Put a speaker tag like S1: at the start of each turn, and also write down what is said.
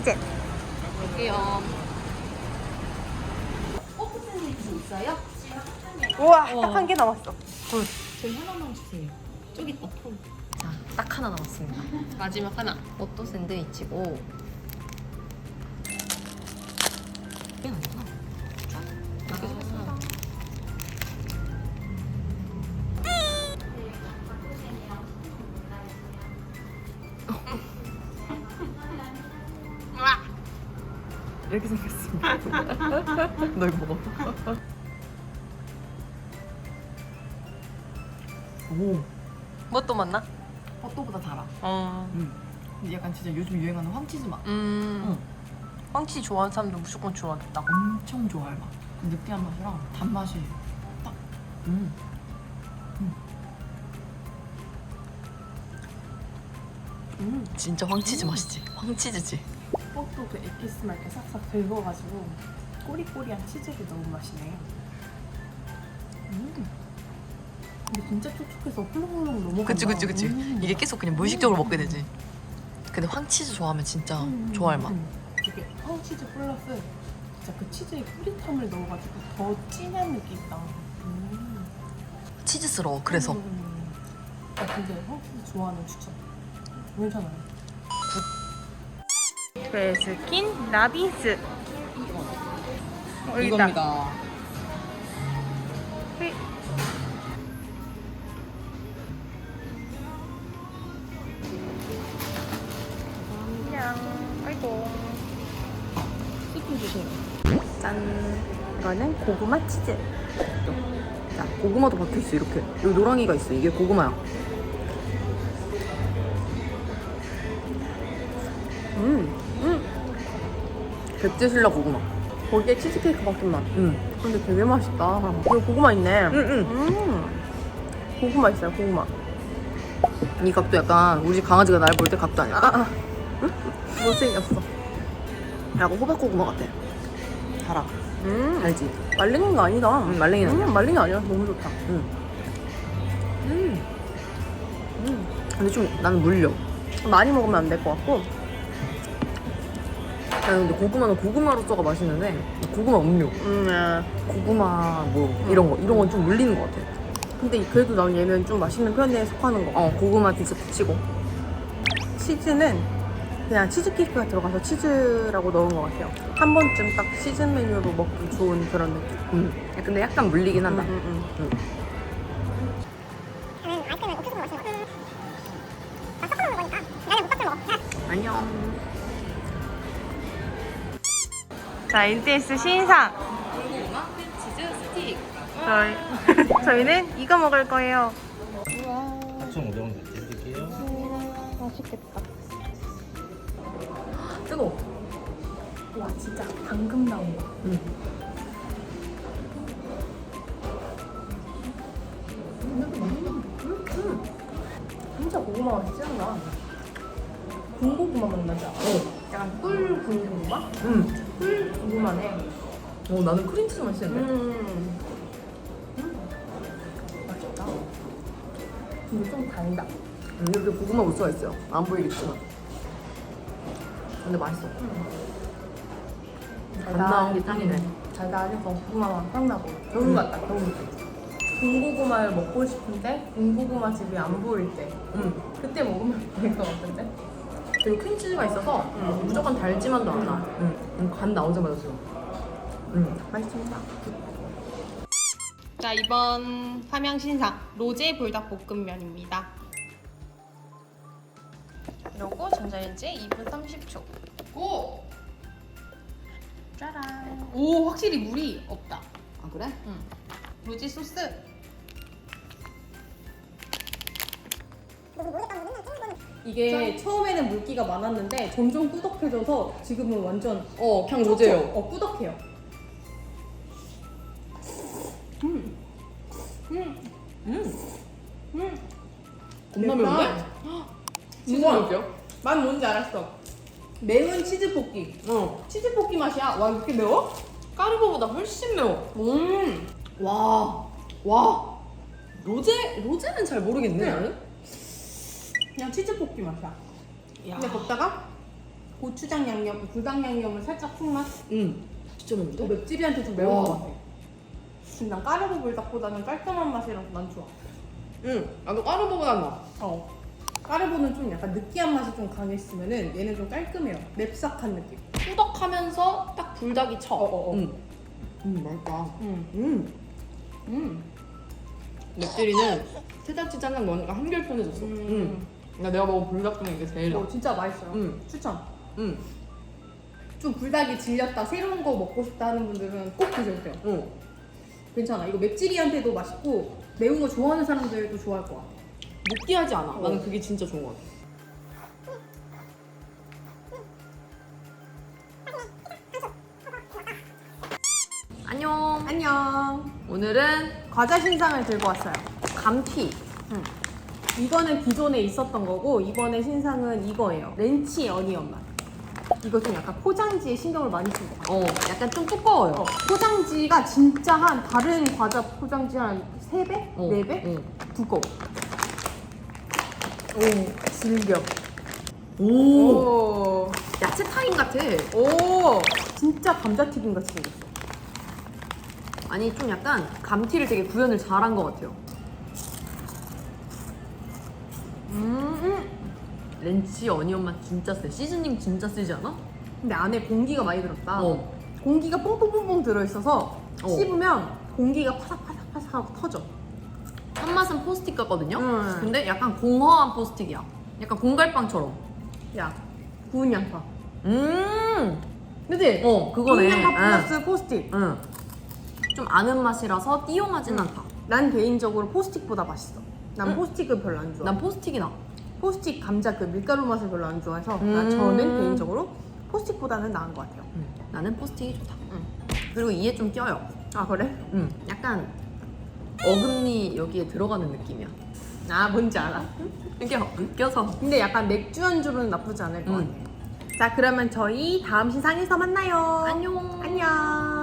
S1: 치즈.
S2: 여기요. 포크 샌드위치 있어요?
S1: 우와, 딱 한 개 남았어.
S2: 저희 하나만 주세요. 저기 있다, 폰.
S3: 자, 딱 하나 남았습니다.
S2: 마지막 하나.
S3: 이것도 샌드위치고. 이게 아니구나. 이렇게 줬어. 이렇게 생겼습니다. 너 이거 먹어. 오. 뭣도 맞나?
S4: 헛도보다 달아.
S3: 어.
S4: 근데 약간 진짜 요즘 유행하는 황치즈 맛.
S3: 황치 좋아하는 사람도 무조건 좋아하겠다.
S4: 엄청 좋아할 맛. 그 느끼한 맛이랑 단맛이 딱.
S3: 진짜 황치즈 맛이지. 황치즈지.
S1: 꽃도 그 에피스만 이렇게 싹싹 긁어가지고 꼬리꼬리한 치즈를 넣은 맛이네. 근데 진짜 촉촉해서 훌렁훌렁 넘어간다.
S3: 그치. 이게 계속 그냥 무의식적으로 먹게 되지. 근데 황치즈 좋아하면 진짜 좋아할 맛.
S1: 이게 황치즈 플러스 진짜 그 치즈에 뿌리탐을 넣어가지고 더 진한 느낌이 나.
S3: 치즈스러워. 그래서.
S1: 아, 근데 황치즈 좋아하는 추천. 괜찮아요. 베스킨 라빈스.
S4: 이겁니다.
S1: 아이고. 스프 주세요. 짠. 이거는 고구마 치즈.
S3: 자, 고구마도 박혀있어. 이렇게. 여기 노랑이가 있어. 이게 고구마야. 백제신라 고구마.
S1: 거기에 치즈케이크 박힌 맛. 근데 되게 맛있다. 여기 고구마 있네. 고구마 있어요, 고구마.
S3: 이 각도 약간 우리 집 강아지가 날 볼 때 각도 아니야.
S1: 못생겼어.
S3: 약간 호박고구마 같아. 달아. 알지?
S1: 말랭이인 거 아니다.
S3: 말랭이는 아니야.
S1: 말랭이 아니야. 너무 좋다.
S3: 근데 좀 나는 물려.
S1: 많이 먹으면 안 될 것 같고.
S3: 근데 고구마는 고구마로 써가 맛있는데 고구마 음료, 고구마 뭐 이런 건 좀 물리는 것 같아.
S1: 근데 그래도 난 얘는 좀 맛있는 편에 속하는 거.
S3: 고구마 디저트 치고.
S1: 치즈는 그냥 치즈케이크가 들어가서 치즈라고 넣은 것 같아요. 한 번쯤 딱 시즌 메뉴로 먹기 좋은 그런 느낌.
S3: 근데 약간 물리긴 한다. 안녕.
S1: 자, NTS 신상.
S2: 고구마 치즈 스틱.
S1: 저희는 이거 먹을 거예요.
S5: 4,500원 드릴게요.
S1: 맛있겠다.
S3: 뜨거워.
S1: 와, 진짜 방금 나온 거. 진짜 고구마 맛이 진하다. 군고구마 맛 나지 않아? 약간 꿀 군고구마? 꿀 고구마네.
S3: 나는 크림치즈 맛있는데.
S1: 맛있다. 근데 좀 달다.
S3: 이렇게 고구마 무스가 있어요. 안 보이겠지만. 근데 맛있어. 안 나온 게 짱이네.
S1: 달달해서 고구마 맛 확 나고. 겨울 같다, 겨울. 군고구마를 먹고 싶은데 군고구마 집이 안 보일 때. 그때 먹으면 될 것 같은데?
S3: 그리고 크림치즈가 있어서 무조건 달지만도 않아. 간 나오자마자 지금.
S1: 맛있습니다.
S2: 자, 이번 함양 신상 로제 불닭볶음면입니다. 그리고 전자레인지에 2분 30초. 고! 짜란. 오, 확실히 물이 없다.
S3: 아 그래?
S2: 응. 로제 소스.
S1: 이게 처음에는 물기가 많았는데 점점 꾸덕해져서 지금은 완전
S3: 그냥 로제요.
S1: 꾸덕해요.
S3: 겁나 매운데?
S1: 진짜
S3: 매운데요?
S1: 맛 뭔지 알았어. 매운 치즈 볶기. 치즈 볶기 맛이야. 와, 이렇게 매워?
S3: 까르보보다 훨씬 매워. 와. 로제는 잘 모르겠네. 나는.
S1: 그냥 치즈 볶기 맛이야. 근데 걷다가 고추장 양념, 불닭 양념을 살짝 푹맛.
S3: 진짜 맛있는데?
S1: 맵찔이한테 좀 매운
S3: 와.
S1: 것 같아. 근데 난 까르보 불닭보다는 깔끔한 맛이라서 난 좋아.
S3: 나도 까르보보다 나.
S1: 까르보는 좀 약간 느끼한 맛이 좀 강했으면은 얘는 좀 깔끔해요. 맵싹한 느낌.
S3: 꾸덕하면서 딱 불닭이 쳐. 맛있다. 맵찔이는 세잔치 짠장 넣으니까 한결 편해졌어. 내가 먹은 불닭 중에 이게 제일 나.
S1: 진짜 맛있어요. 추천.
S3: 응.
S1: 좀 불닭이 질렸다, 새로운 거 먹고 싶다 하는 분들은 꼭 드셔도 돼요. 괜찮아. 이거 맵찔이한테도 맛있고 매운 거 좋아하는 사람들도 좋아할 것 같아.
S3: 느끼하지 않아. 나는 그게 진짜 좋은 것 같아. 안녕.
S1: 안녕.
S3: 오늘은
S1: 과자 신상을 들고 왔어요.
S3: 감튀.
S1: 이거는 기존에 있었던 거고 이번에 신상은 이거예요. 렌치 어니언 맛. 이거 좀 약간 포장지에 신경을 많이 쓴 것 같아요.
S3: 약간 좀 두꺼워요.
S1: 포장지가 진짜 한 다른 과자 포장지 한 3배? 4배? 두꺼워. 오, 질겨. 오.
S3: 야채 타임 같아.
S1: 오. 진짜 감자튀김 같이 생겼어.
S3: 아니 좀 약간 감튀를 되게 구현을 잘한 것 같아요. 렌치 어니언 맛 진짜 세. 시즈닝 진짜 세지 않아?
S1: 근데 안에 공기가 많이 들었다.
S3: 어.
S1: 공기가 뽕뽕뽕뽕 들어있어서
S3: 어.
S1: 씹으면 공기가 파삭파삭파삭 하고 터져.
S3: 한맛은 포스틱 같거든요?
S1: 음.
S3: 근데 약간 공허한 포스틱이야. 약간 공갈빵처럼.
S1: 야, 구운 양파.
S3: 그거네.
S1: 그치? 구운 양파 플러스 포스틱.
S3: 응. 좀 아는 맛이라서 띠용하진 않다.
S1: 난 개인적으로 포스틱보다 맛있어. 난 포스틱을 별로 안 좋아.
S3: 난 포스틱이 나.
S1: 포스틱 감자 그 밀가루 맛을 별로 안 좋아해서 저는 개인적으로 포스틱보다는 나은 것 같아요.
S3: 나는 포스틱이 좋다. 그리고 이에 좀 껴요.
S1: 아 그래?
S3: 약간 어금니 여기에 들어가는 느낌이야.
S1: 아 뭔지 알아.
S3: 이게 껴서.
S1: 근데 약간 맥주 안주로는 나쁘지 않을 것
S3: 음.
S1: 같아. 자 그러면 저희 다음 신상에서 만나요.
S3: 안녕.
S1: 안녕.